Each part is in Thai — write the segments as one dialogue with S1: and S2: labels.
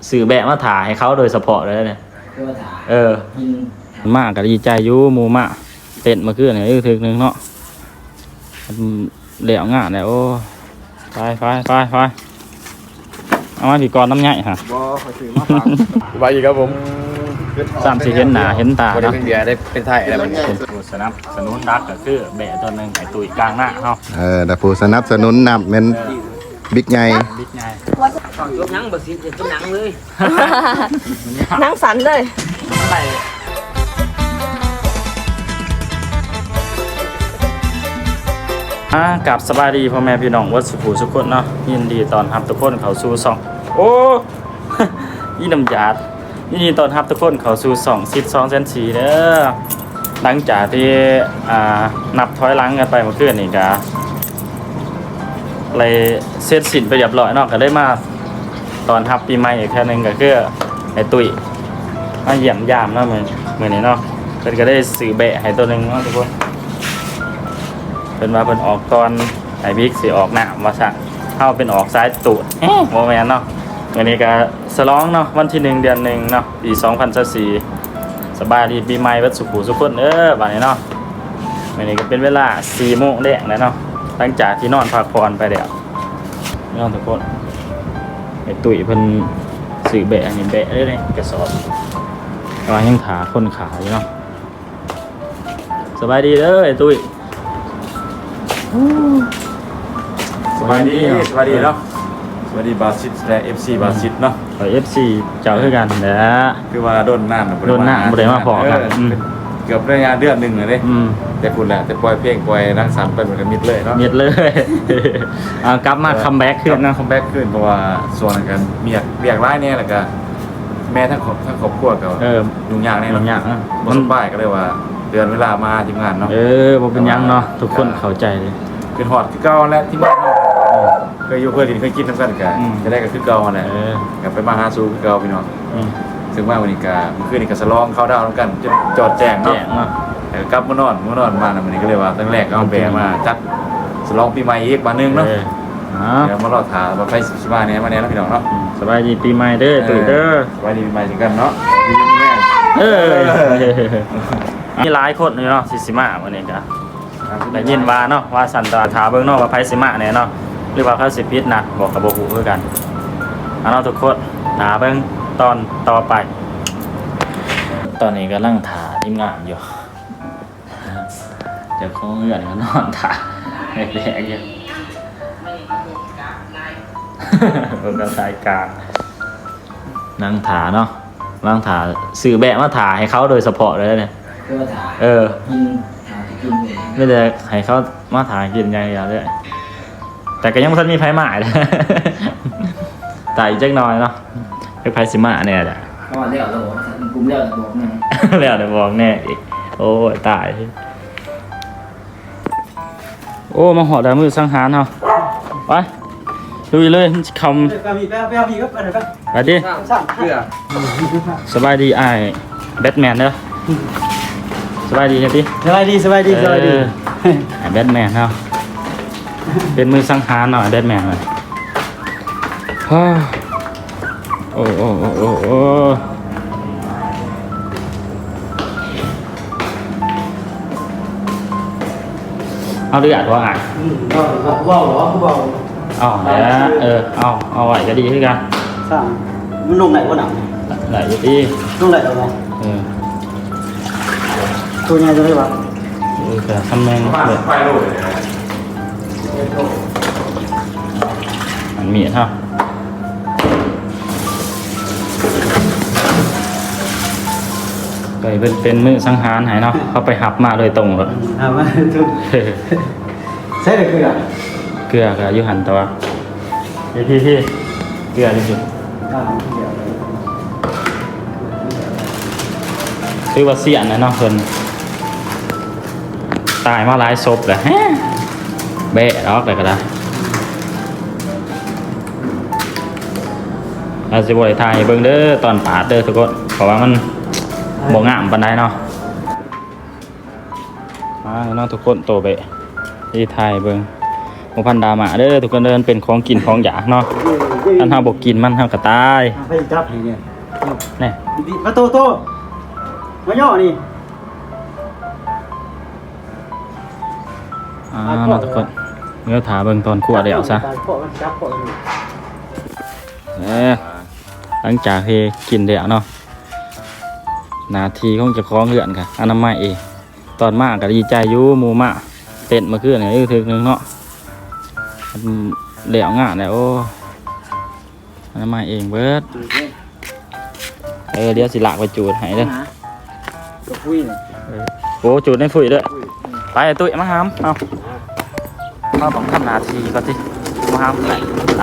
S1: สื่อแบะมาถ่ายให้เขาโดยเฉพาะเลยเนี่ยมากก็ดีใจอยู่หมูมะเต้นมาขึ้นเนี่ยถึงนึงเนาะเหลวง่ะเนี่ยโอ้ไปเอามาผีกรน้ำใหญ่ฮะ
S2: บ่ขอถือมาฝากไปอีกครับผม
S1: สามสี่เห็นหนาเห็นตา
S2: เนาะเบียร์ได้เป็นไทยอะไรมัน
S1: เป็นผู้สนับสนุนรักก็คือแบะตัวหนึ่งไอตุยกลางหน้าเนาะ
S3: แต่ผู้สนับสนุนนำเป็นบิ๊กไง
S4: ยกหนังบดสิเป็นหนังเลย
S5: หนังสันเลย
S1: กับสบายดีพ่อแม่พี่น้องวัดสุภูสุขคนเนาะยินดีตอนรับทุกคนเขาสู่สองโอ้ยี่น้ำยาดยินดีตอนรับทุกคนเขาสู่2 เด้อหลังจากที่นับถอยหลังกันไปเมื่อคืนนี่กะเลยเสร็จสิ้นไปเรียบร้อยเนาะก็ได้มาตอนรับปีใหม่อีกแค่นึงก็คือไอ้ตุ้ยมาเยี่ยมยามเนาะเหมือนนี้เนาะเพิ่นก็ได้ซื้อแบะให้ตัวนึงเนาะทุกคนเพิ่นว่าเพิ่นออกตอนไอ้บิ๊กสิออกหน้าว่าซะเฮาเป็นออกซ้ายตูดบ่แม่นเนาะมื้อนี้ก็ฉลองเนาะวันที่1เดือน1เนาะปี2024สบายดีปีใหม่วัดสุขุสุขคนบัดนี้เนาะมื้อนี้ก็เป็นเวลา 4 โมงแดงแล้วเนาะหลังจากที่นอนพักผ่อนไปแล้วเนาะทุกคนไอ้ตุ้ยเพิ่นซื้อแบะอันนี้แบะเลยกระสอบว่ายังขาคนขายเนาะสบายดีเด้อไอ้ตุ้ย
S2: สวัสดีเนาะสวัสดีบาซิตและ FC บาซิตเนาะ
S1: FC เจ้าคือกันแหละ
S2: คือว่าโดนน้ำ
S1: บ่ได้มาพอกัน
S2: เกือบได้งานเดือนนึงเลยแต่คุณแหละแต่ปล่อยเพลงปล่อยรักษาไปเหมือนกันมิดเลยเนาะ
S1: มิดเลยกลับมาคัมแบ็กขึ้นนะ
S2: คัมแบ็กขึ้นเพราะว่าส่วนกันเบียกร้ายเนี่ยแล้วก็แม่ทั้งครอบครัวก็ยุ่งยากเนี่ย
S1: ยุ่งยาก
S2: บ่สบายก็เลยว่าเดือนเวลามาทีมงานเนาะ
S1: บ่เป็นยังเนาะทุกคนเข้าใจเลย
S2: เป็นฮอดคือเก่าและที่บ้านเฮาเคยอยู่เคยกินน้ำกันกันจะได้ก็คือเก่าแหละกลับไปมาหาสู่คือเก่าพี่น้องซึ่งว่าวันนี้ก็เมื่อคืนนี้ก็สลองเข้าดาวน้ำกันจอดแจ้งเนาะแต่กลับมานอนมาวันนี้ก็เลยว่าตั้งแรกก็เอาแบมาจัดสลองปีใหม่อีกวันนึงเนาะเดี๋ยวมารอถามว่าไปสิมาเนี่ยมาเนี่ยนะพี่น้องเนาะ
S1: สบายดีปีใหม่เด้อตุ้ยเด้อ
S2: สบายดีปีใหม่ถึงกันเนาะดีแม่
S1: มีหลายคนเนาะสิมาวันนี้จ้ะได้ยินว่าเนาะว่าสันตาถาเบิ่งเนาะว่าไผสิมาเนี่ยเนาะหรือว่าเขาสิผิดนะบอกกับบ่ฮู้คือกันเนาะทุกคนหาเบิ่งตอนต่อไปตอนนี้กำลังถ่าทีมงานอยู่เดี๋ยวเขาเงื่อนเขานอนถ่าแรกๆอยู่คนกระสายกลางนั่งถ่าเนาะนั่งถ่าสื่อแบะมาถ่าให้เขาโดยเฉพาะเลยเนี่ยไม่ได้ให้เขามาถ่ายกินอย่างเดียวเลยแต่ก็ยังไม่ทันมีไผ่หมายเลยแต่อีกจักหน่อยเนาะไผ่สิมาเนี่ยแหละ
S4: ก็เลี้ยวเราบอกกลุ่มเลี้ยวเราบอกเนี่ย
S1: เลี้ยวเราบอกเนี่ยอีกโอ้ยตายโอ้มาหอดามือสังหารเนาะไปลุยเลยคำไปดิสบายดีไอ้แบทแมนเด้อสบายดีครับพี่
S4: สบายดี
S1: แบทแมนเนาะเป็นมือสังหารหน่อยแบทแมนเลยโอ้เอาเลือดว่าไง
S4: ว่าวเหรอว่าว
S1: อ๋อแล้วเอาไหวก็ดีขึ้นกัน
S4: มันลงไหนวะหนัง
S1: ไหนอยู่ที่
S4: ลงไหนเราบอกตัวใหญ่เลยวะ
S1: แต่ทำแมงเลยมันมีเท่าเป็นมือสังหารหายเนาะเขาไปหับมาโดยตรงเลย
S4: หับมาถูกใช่เลยเกลื
S1: อกับยุหันตัวพี่เกลือจริงคือว่าเสียนะเนาะคนตายมาหลายศพเลยเบะล็อกเลยก็ได้เราจะบริทายเบิ้งเด้อตอนปาดเด้อทุกคนเพราะว่ามันบ่งามปานใดเนาะเนาะทุกคนโตเบะที่ไทยเบิ่งหมู่พันดามาเด้อทุกคนเดินเป็นของกินของอยากเนาะอันเฮาบ่กินมันเฮาก็ตาย
S4: ไปจับให้เนี่ย
S1: แน่
S4: ดีๆมาโตมาย่อนี่
S1: เนาะทุกคนเดี๋ยวถาเบิ่งตอนคั่วแล้วซะ
S4: จับพวกนี่
S1: หลังจากที่กินแล้วเนาะนาทีของเจ้าของเฮือนค่ะอนามัยเองตอนมาก็ดีใจอยู่หมู่มาเต้นมาคืนนี่ถึกนึงเนาะแล้วงานแล้วโอ้อนามัยเองเบิดเดี๋ยวสิลากไปจูดให้เด้อ
S4: ก็คุย
S1: โอ้จูดในฝุ่ยด้วยไปไอ้ตุ้ยมาหามเอาต้องทำนาทีก่อนสิมาหามแหละ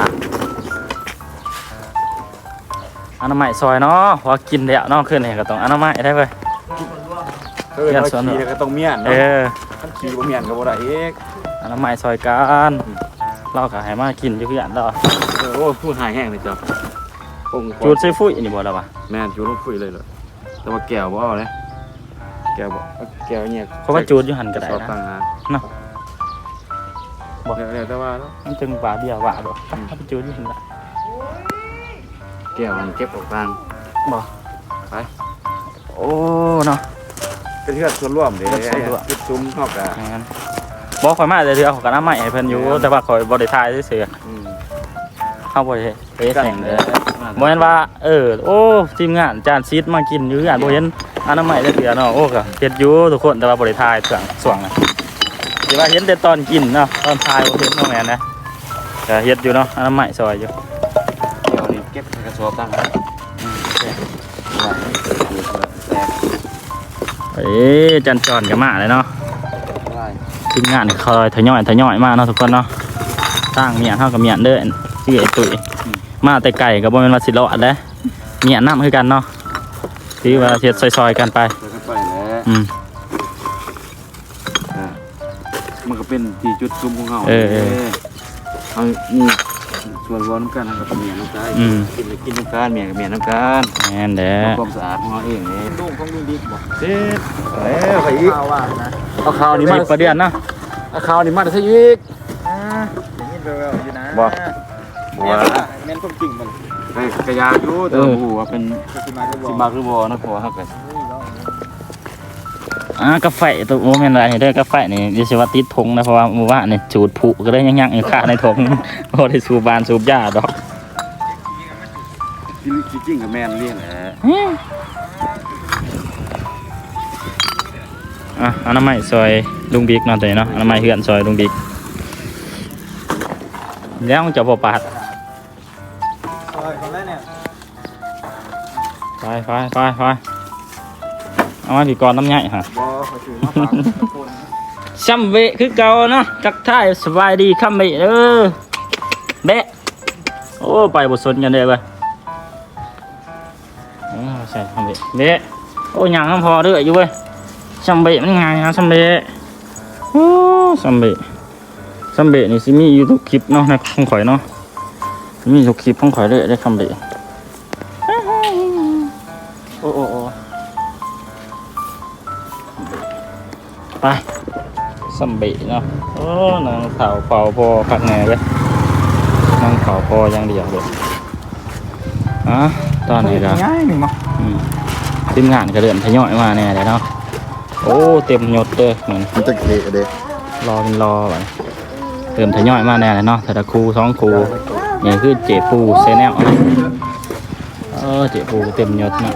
S1: อนามัยซอยเนาะพอกินแล้วเนาะขึ้นเนี่ยก็ต้องอนามัยได้เว้ย
S2: ขี่แล้วก็ต้องเมียน
S1: เอ
S2: เนาะ
S1: อ
S2: ขี่บ่เมียนก็บ่ได้อีก
S1: อนามัยซอยกันเราก็ให้มากินอยู่คือกันเนาะ
S2: โอ้พูดหายแห้งเลยจ้ะ
S1: จูดใส่ฝุ่ยนี่บ่ล่ะวะ
S2: แม่นจูดลงคุยเลยเลยแต่ว่าแก้วบ่เอาเลยแก้วบ่แก้วเนี่ย
S1: เพราะว่าจูดอยู่หันก็ได้
S2: สอบ
S1: นะ
S2: ต่างหาก
S1: เนาะ
S2: เดี๋ยวแต่ว่าเนาะ
S1: มันจึงบาเดียวบาดอกถ้าไปจูดอยู่หันละ
S2: แก้วมันเก็บออกต่าง
S1: บ่
S2: ไป
S1: โอ้เนาะ
S2: เป็นเพื่อนส่วนร่วมเด้
S1: เพื่อนส่วนร่วม
S2: จุดซุ้มเฮากะ
S1: งั้นบ่ข่อยมาแต่เดือของกันอนามัยให้เพิ่นอยู่แต่ว่าข่อยบ่ได้ทายซื่อๆ
S2: อืม
S1: เข้าบ่ได้ไปแข่งเลยบ่แม่นว่าโอ้ทีมงานจานซีดมากินอยู่กันบ่เห็นอนามัยได้เถื่อเนาะโอ้ก็เฮ็ดอยู่ทุกคนแต่ว่าบ่ได้ทายเถื่องส่วงน่ะสิว่าเห็นแต่ตอนกินเนาะตอนทายบ่เห็นเนาะแม่นนะก็เฮ็ดอยู่เนาะอนามัยซอยอยู่
S2: แก้วนี่เก็บใส่กระสอบต่างหากแตก
S1: จันจอนก็มาเลยเนาะ
S2: ได้
S1: ทีมงานคอยทยอยมาเนาะทุกคนเนาะสร้างเมียนเฮากับเมียนเด้อที่ไอ้ตุ้ยมาแต่ไก่ก็บ่แม่นว่าสิรอดเด้เมียนนำคือกันเนาะที่ว่าเฮ็ดซอยๆกันไป
S2: เดี๋ยวก็ไปแล้ว
S1: อืม
S2: มันก็เป็นที่จุดซุ้มของเฮา เอานี่ส่วนรวมน้ำกันกับเมียน้ำกัน
S1: อืม
S2: กินน้ำกันเมียกับเมียน้ำกัน
S1: แม่นแหละ
S2: ความสะอาดของเราเองนี่
S4: ลูกของลุงบิ๊กบอก
S2: เด็ดแล้วไปอีก
S4: ข้าวว่านะ
S2: เอาข้าวนี่มา
S1: 10ประเดือนเนาะ
S2: เอาข้าวนี่มาใส่อีก
S4: อย่างนี้เบลอยู่นะ
S2: บ่ว่า
S4: แม่นความจริงมัน
S2: ไอ้กระยาอยู่แต่ว่าหูว่าเป็น
S4: สิมาก็บอ
S2: สิ
S4: ก
S2: บาหรือบ่นะขอฮักกัน
S1: กาแฟตัวโมเมนต์อะไรเด้อกาแฟนี่เดี๋ยวสิว่าติดทงนะเพราะว่าเมื่อวานนี่จูดผุก็ได้ยังๆอยู่ค่าในทง บ่ได้สูบบานสูบยาดอก
S2: จริงกับแม่นเลี้ยงแหละ
S1: อนามัยซอยลุงบิ๊กเนาะตัวนี้เนาะอนามัยเฮือนซอยลุงบิ๊กแล้วมันจะบ่ปาด
S4: คนแรกเนี่ย
S1: ไปเอามาพี่กรน้ำใหญ่ฮะ
S4: บอเขาถือมาฝากทุกคน
S1: ซ้ำเวะคือเก่าเนาะทักทายสบายดีค่ำเวะแบะโอ้ไปบทสนกันเลยเว้ยใช่ค่ำเวะเบะโอ้ยังน้ำพอด้วยอยู่เว้ยซ้ำเวะมันง่ายนะซ้ำเวะโอ้ซ้ำเวะนี่สิมีอยู่ทุกคลิปเนาะในของข่อยเนาะมีทุกคลิปของข่อยเลยได้ค่ำเวะโอ้ไปซ้ำเบะเนาะโอ้นางเผาพอพักแน่เว้ยนางเผาพออย่างเดียวเลยตอนนี้ก็
S4: ง่ายหนึ่งมั้ง
S1: ทีมงานก็เดินทยอยมาแน่เลยเนาะโอ้เต็มยศเลยเหมือน
S3: มันจะเกะเด้
S1: รอเป็นรอแบบเดินทยอยมาแน่เลยเนาะแต่ละครู2ครูนี่คือเจปูเซแนลเจปูเต็มยศเนาะ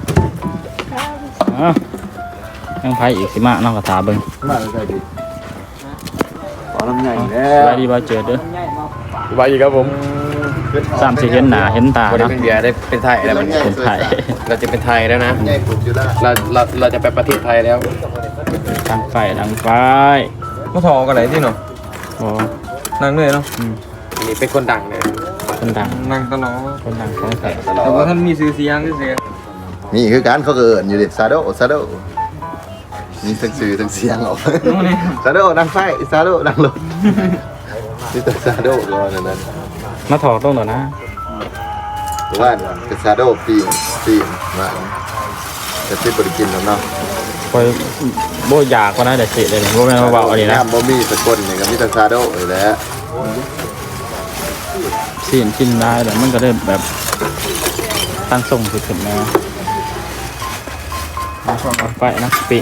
S1: ยังไพ่อีกสิมาเนาะกระถาเบิ้ง
S2: มาเลยได้ดิขอน้ำใหญ่แล้
S1: ส
S2: ว
S1: บายดีบ่าเจอเด้อ
S2: สบายดีครับผม
S1: 3 4เห็นหน้าเห็นตา
S2: วันนี้
S1: เนาะ
S2: เป็นเบียร์ได้เป็นไทยแล้วมัน
S1: เป็นไผ่
S2: เราจะเป็นไทยแล้วนะ
S3: ง่ายผมอยู่ละ
S2: เราจะไปประเทศไทยแล้ว
S1: ทางไฟ
S6: มาถอกันไหนที่เนาะ
S1: โอ้
S6: นั่งเลยเนาะ
S2: นี่เป็นคนดังเลย
S1: คนดัง
S6: นั่งตลอด
S1: คนดังของไฟ
S6: แต่ว่าท่านมีซื้อเสียงก็เสีย
S3: นี่คือการเขาเกิดอยู่ดิซาโดนี่ทั้งสื่อทั้งเสียงออกซาโดดังไฟซาโดดังลมนี่แต่ซาโดรอนั่นนั่น
S1: มาถอดต้องหน่อยนะ
S3: ว่าเป็นซาโดปีมาจะซื้อบริกินแล้วเนาะ
S1: คอยโบยากกว่านะเดี๋ยวเสียเลยโบแม่นมาเบาอันนี้นะ
S3: น้ำบ่มีสกลนี่ก็มีแต่ซาโดอยู่แล้ว
S1: สีนกินได้แต่มันก็ได้แบบตั้งทรงขึ้นมาไปนะปิ่ง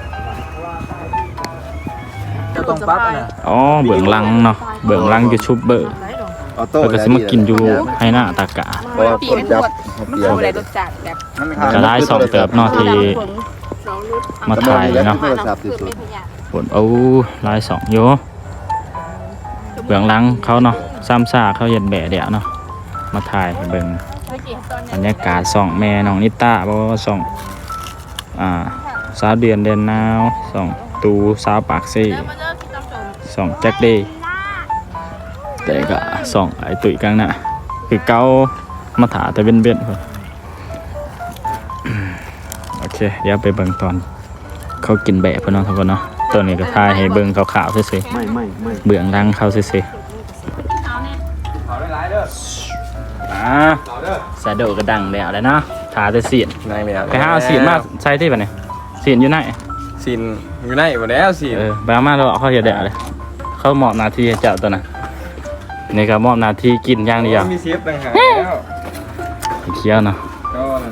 S4: จะต้องปั๊บนะ
S1: อ๋อเบื้องหลังเนาะเบื้องหลังยูทูบเบอร์
S3: ออโต้
S1: เพิ่นก็สิมากินอยู่ให้หน้าตากะ
S3: เพราะว่าคนจับ
S5: มัน
S3: เดียว
S5: เอาอะไรรสจัดแบบ
S1: จะได้สองเติบเนาะที่มาถ่ายเนาะ
S3: โทรศัพท์ที่สุด
S1: ผลเอาลายสองโยเบื้องหลังเขาเนาะซ้ำซากเขาเย็นแบะเดี๋ยวเนาะมาถ่ายให้เบิ่งบรรยากาศส่องแม่น้องนิต้าบ่ว่าส่องสาวเดือนเดือนนาวส่องตูสาวปากซี่ส่องแจ็คเดย์แต่ก็ส่องไอ้ตุ๋ยกลางหน้าคือเกามาถาแต่เว้นๆพุ่นโอเคเดี๋ยวไปเบิ่งตอนเขากินแบะเพิ่นเนาะทุกคนเนาะตัวนี้ก็ถ่ายให้เบิ่งขาวๆซื่อๆ
S3: ไม่
S1: เบื้องหลังเขาซื่อ
S6: เอาได้หลายเด้อ
S1: สะโดก็ดังแล้วเนาะถาแต่เสียน
S6: นายแมว
S1: ไปหาเอาเสียนมาใช้ที่ปะเนี่ยเสียนอยู่ไหน
S6: สินอยู่ไหนบ่แล้วสิน
S1: ไปเอามาแล้วเอาเขาเฮ็ดแล้วเลยเขามอบหน้าที่ให้เจ้าตัวน่ะนี่ก็มอบหน้าที่กินอย่างเดียว
S6: มีเซฟต่างหากแล้ว
S1: เคี้ยวเนาะ
S6: ก็นั่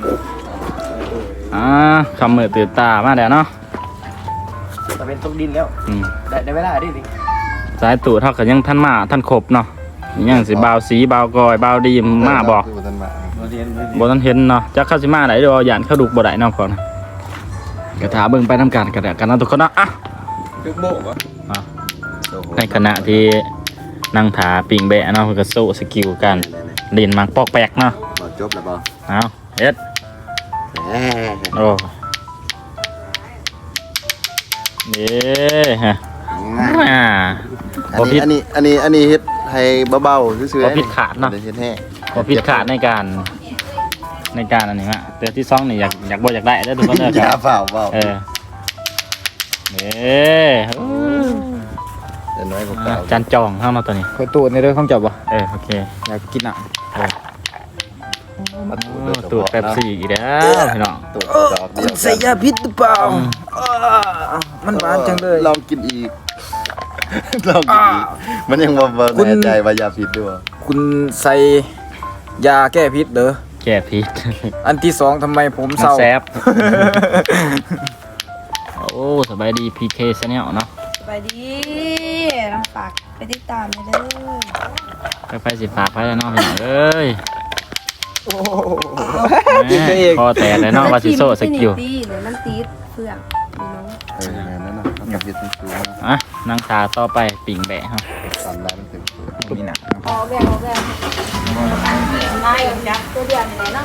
S6: น
S1: คำมือตื่นตามาแล้วเนาะ
S4: จะเป็นตกดินแล้ว
S1: อืม
S4: ได้เวลาดิ
S1: สายตู่เท่ากับยังท่านมาท่านครบเนาะยังสิบาวสีบาวกอยบาวดีมาบอก
S3: คือท่านมา
S6: เรียน
S1: บ่ทันเห็นเนาะจักเข้าสิมาได้เดี๋ยวย่านเข้าดุกบ่ได้เนาะพอนะกระถาเบิ่งไปทำการกันแล้วกันนะทุกคนเนาะอ่ะ
S6: ตึกโบกวะ
S1: ในขณะที่นั่งถาปิงแบะเนาะเพิ่นก็โซ่สกิลกันเล่นมักปอกแปกเนาะ
S3: บ่จบแล้วบ่
S1: เอาเฮ็ด
S3: แหม
S1: โอ้นี่ฮะอ่า บ่ผิด
S3: อันนี้เฮ็ดให้เบาๆซื่อๆ
S1: บ่ผิดขาดเนาะ
S3: เฮ็ดแห้ง
S1: พอผิดขาดในการอันนี้ฮะแต่ที่ซ่องนี่อยากบ่อยากได้เด้อทุกคนเด้อ
S3: อย่า
S1: ครับ
S3: เฝ้าเฝ้า
S1: นี่
S3: เดี๋ยวน้อยกว่า
S1: อ่ะ
S3: เก่า
S1: จานจองเข้ามาตัวนี้
S4: คอยตูดในเรื่องของจับวะ
S1: โอเค
S4: อยากกินอ่ะ
S3: มา
S1: ตูดแป๊บซี่อีกแล้วพี่น้อง
S3: ตูดดอกเดียว
S4: ใส่ยาพิษหรือเปล่ามันหวานจังเลย
S3: ลองกินอีกลองกินอีกมันยังบ่แน่ใจว่ายาพิษด้วย
S4: คุณใส่ยาแก้พิษเด้อ
S1: แก้พิษ
S4: อันที่สองทำไมผม
S1: มัน
S4: เศร้า
S1: แซ่บโอ้สบายดี PK Channel เนาะ
S5: สบายดีน้องฝากไปติดตามเลยเด้อ
S1: ไปสิฝากไว้แล้วเนาะพี่น้องเอ้ย
S4: กินไปเอง
S1: พอแตกเลยเนาะว่าสิโซ่สกิล
S5: ตีหรือมันตีดเฟื่องพี่น้อง
S3: นั่นน่ะกับเฮ็ดเป็นสูง
S1: อ่ะนั่งตาต่อไปปิ่งแบะครับ
S3: สั่นแล้วมันเต็มตัว
S4: นี่นะ
S5: ออกแบบมาอย่างจักตัวเดียวนี่แหละเนาะ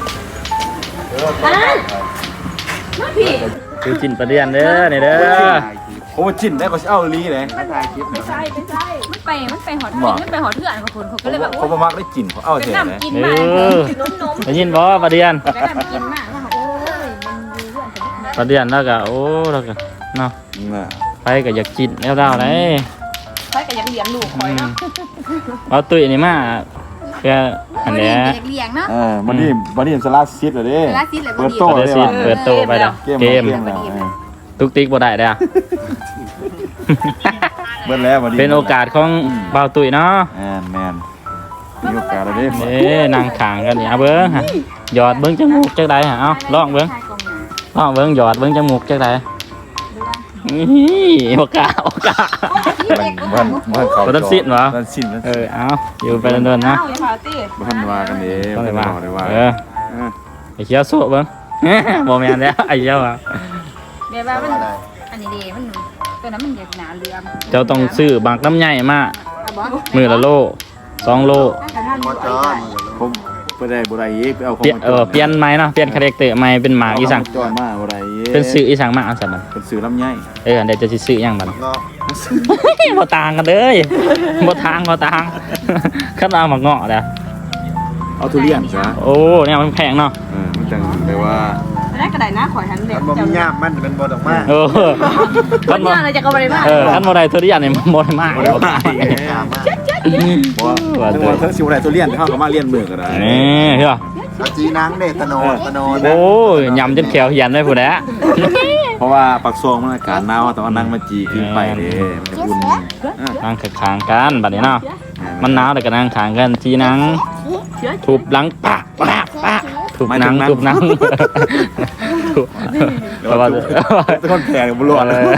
S5: มาพี่
S1: คือจินประเดียนเด้อนี่เด้อ
S2: โอ้จิ้นได้ก็สิเอาลีเลย
S5: ไม่ใช่
S7: มันไปหอดมันไปหอดเถื่อนของคนเขาก็เลยแบบ
S2: เขาบ่มักได้จิ้นเขาเอา
S7: เป็น
S2: เท่เลย
S7: น้ำกิน
S1: เอ
S7: มาก
S1: อได้ยินบ่ประเดียน
S7: เป็นน้ำกินมากแล้วค่ะโอ้ยมันดูเพื่อนกัน
S1: ประเดียนแล้วก็โอ้แล้วก็เนาะไปก็อยากกินแล้วดาวเลย
S7: ใช่กับอยากเลี้ยงลูกคอยเนาะ
S1: เอาตุ้ยนี่มาเพื่ออัน
S7: วัน
S1: เนี้
S7: นี้
S1: ย
S7: อยากเลี้ยงเนาะ
S2: วันนี้สลาซิดเลยเด้
S7: ลาซิดเลย
S2: เปิ
S7: วัน
S2: ด
S7: นี้
S2: โต๊ะ
S1: เปิด
S2: เลย
S1: สิ
S2: ว่ะ
S1: เปิดโตไปเด้อเกม ตุกติ๊กบ่ได้เด้อ
S2: เบิ่นแล้ววันนี้
S1: เป็นโอกาสของเบาตุ้ยเนาะ
S2: แม่นมีโอกาสแล้วเด้
S1: เอ้นั่งขางกันนี่เอาเบิ่งฮะหยอดเบิ่งจมูกจักใดฮะเอาลองเบิ่งลองเบิ่งหยอดเบิ่งจมูกจักใดนี่โอกาส
S2: มันเขา
S1: บ่ทันสิ้นเหรอ
S2: ทันสิ้น
S1: เอาอยู่ไปเดินๆนะ
S7: เอาอย่าพาตี
S2: บ่ทันว่ากันเด้
S1: ต้องได้
S2: บ่
S1: ว่า
S2: ได้ว่า
S1: ไอ้เขียวโซ่เบิ่ง บ่แม่นแล้วไอ้เขียวอ่ะ
S7: เดี๋ยวว่ามันอันนี้ดีมันตัวนั้นมันอยากหนาเรือม
S1: เจ้าต้องซื้อบักน้ำใหญ่มา
S7: เอาบ่
S1: มือละโล2โล
S3: มอจอน
S2: ผมบ่ได้อีกไปเอาของ
S1: เปลี่ยนเปลี่ยนใหม่เนาะเปลี่ยนคาแรคเตอร์ใหม่เป็นหมากอีสัง
S2: จอนมาบ่ได้อีก
S1: เป็นซื้ออีสังมาเอาซั่นน่ะ
S2: เป็นสื่อลำไย
S1: เดี๋ยวจะสิซื้อหยังบัด
S3: เงาะ
S1: บ่ต่างกันเลยบ่ทางคันเอามาเงาะเด้อ
S2: เอาทุเรียนซะ
S1: โอ้เนี่ยมันแพงเนาะ
S2: มันจังแปลว่า
S5: ได้กระไดหน้าข่อยหันเด็ก
S3: มันบ่มีย่ามมันเป็นบ่ดอกไม้
S1: เออ
S5: ค
S1: คั
S5: น
S1: นบ่
S5: เดียวเลยจะก็บริมา
S1: คันบ่ได้ทุเรียนนี่บ่ได้มาก
S2: บ่ได้มา
S3: ย่ามมาก
S2: ว่าถึงว่าเธอสิบ่ได้ทุเรียนเฮาก็มาเรียนมือก็ได้
S1: นี่เฮ้ย
S3: เอาจีนังเด้ตะโนด
S1: โอ้ยยำจนแขวเหียนได้ผู้ใดอะ
S2: เพราะว่าปักซองมันอากาศหนาวต้องเอานั่งมาจีขึ้นไปเด้มันจะอุ่น
S1: นั่งข้างๆกันบัดนี้เนาะ
S2: แ
S1: มันหนาวแต่ก็นั่งขางกันทีนังทุบหลังปากปากปากทุบหนังทุบหนังเพราะว่า
S2: ต้นแผ่บุรุษ
S1: เลย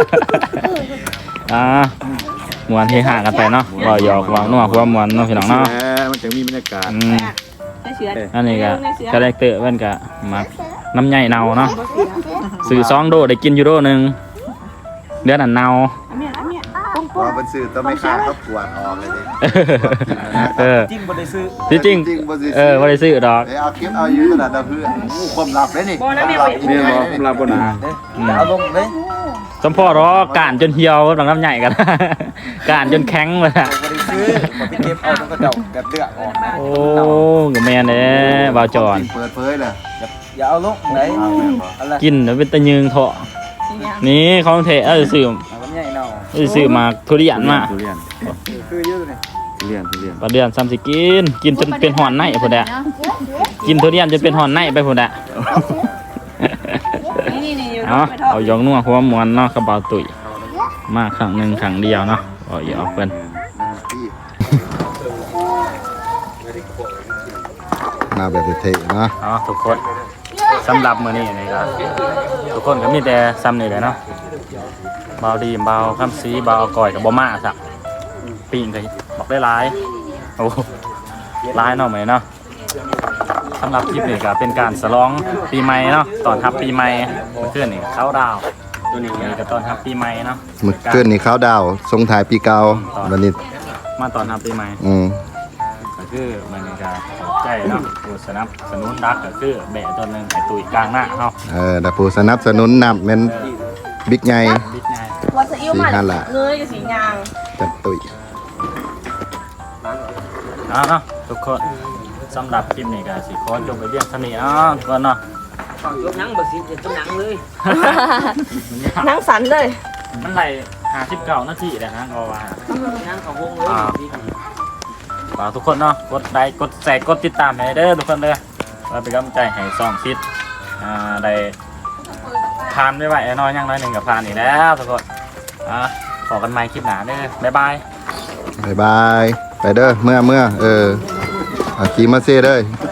S1: มวนที่ห่างกันไปเนาะว่าหยอกว่านัวความมวนเนาะพี่น้องเนาะ
S2: มันจะมีบรรยากาศ
S1: อันนี้ก็ได้เตะเว้นก็มาน้ำใหญ่เนาเนาะสื่อซองโดได้กินอยู่โดนึงเดือนอันเนา
S3: พอเป็นสื่อต้องไม่ฆ่าเขากวดออกเลยดิ
S4: จริงบ่ได้ซื้อ
S1: ที่จริง
S3: บ่สิ
S1: บ่ได้ซื้อดอก
S3: เอาคลิปเอาอยู่ตลาดดาวเพื่อนความลับเลยนี่
S2: นี่รอผมลาบนหนา
S4: เอาลงเลย
S1: สมพ่อรอการจนเหี่ยวหลังน้ำใหญ่กัน การจนแข็งเลยอะ
S4: บ่ได้ซื้อบ่ไปเก็บเอาตรงกระเจ้าแบบเดือดออกนะ
S1: โอ้กับแม่เด้บ่าวจอน
S3: เปิดเผยเลย
S4: อย่าเอาลงไหนอะไร
S1: กินแล้วเป็นตะยืงเถาะนี่ของเทซื้อ
S4: เอาลำไยเนาะ
S1: ซื้อมาทุเรียนมา
S2: ทุเรียน
S4: คือเยอะเลย
S2: ทุเรียนทุเรียน
S1: ปลาเดือนซ้ำสิกินจนเป็นหอนในพุ่นแหละกินทุเรียนจนเป็นหอนในไปพุ่นแหละ เอายองนัวหัวมวนเนาะกระเป๋าตุ๋ยมาครั้งหนึ่งครั้งเดียวเนาะเอาอย่าเอาเพิ่น
S3: มาแบบเท่ๆเนาะ
S1: อ๋อทุกคนสำหรับมื้อนี้นี่ก็ทุกคนก็มีแต่ซ้ำนี่แหละเนาะเบาดีเบาคำซีเบาก่อยกับบ่มาสักปิ้งก็บอกได้หลายโอ้หลายเนาะมื้อนี้เนาะสำหรับคลิปนี้ก็เป็นการฉลองปีใหม่เนาะตอนรับปีใหม่เมื่อคืนนี่เข้าดาวตัวนี้ก็ตอนรับปีใหม่เนาะ
S3: เมื่อคืนนี้เขาดาวส่งถ่ายปีเก่าวันนี้
S1: มาตอนรับปีใหม่ ก็คือมันก็ใจเนาะผู้สนับสนุนดักก็คือแบะตัวหนึงไอ้ตุยกลางหน้าเฮา
S3: แต่ผู้สนับสนุนนำเป็นบิ๊กใหญ่
S1: บิ๊กใหญ่
S5: ว่าจะอิ่วมัน
S3: สีหันละ
S5: เงยกับสียาง
S3: จัดตุ๋ย
S1: เอาเนาะทุกคนสำหรับคลิปนี้ก็สิขอจบไปเพียงเท่านี้เนาะทุกคนเนาะ
S4: ฝั่งยกหนังบ่สิจะหนังเลย
S5: นั่งสันเลย
S1: มันไหล59นาทีแล้วนะก็ว่า
S4: หนังของวงเลย
S1: ฝากทุกคนเนาะกดไลค์กดแชร์กดติดตามให้เด้อทุกคนเด้อเพื่อเป็นกำลังใจให้ซ่องคิดได้ผ่านไม่ไหวแน่นอนอย่างน้อยหนึ่งกับผ่านอีกแล้วทุกคนขอกันใหม่คลิปหน้าเด้อบ๊ายบาย
S3: บายบายไปเด้อเมื่อเอาขี่มาเซ่เด้อ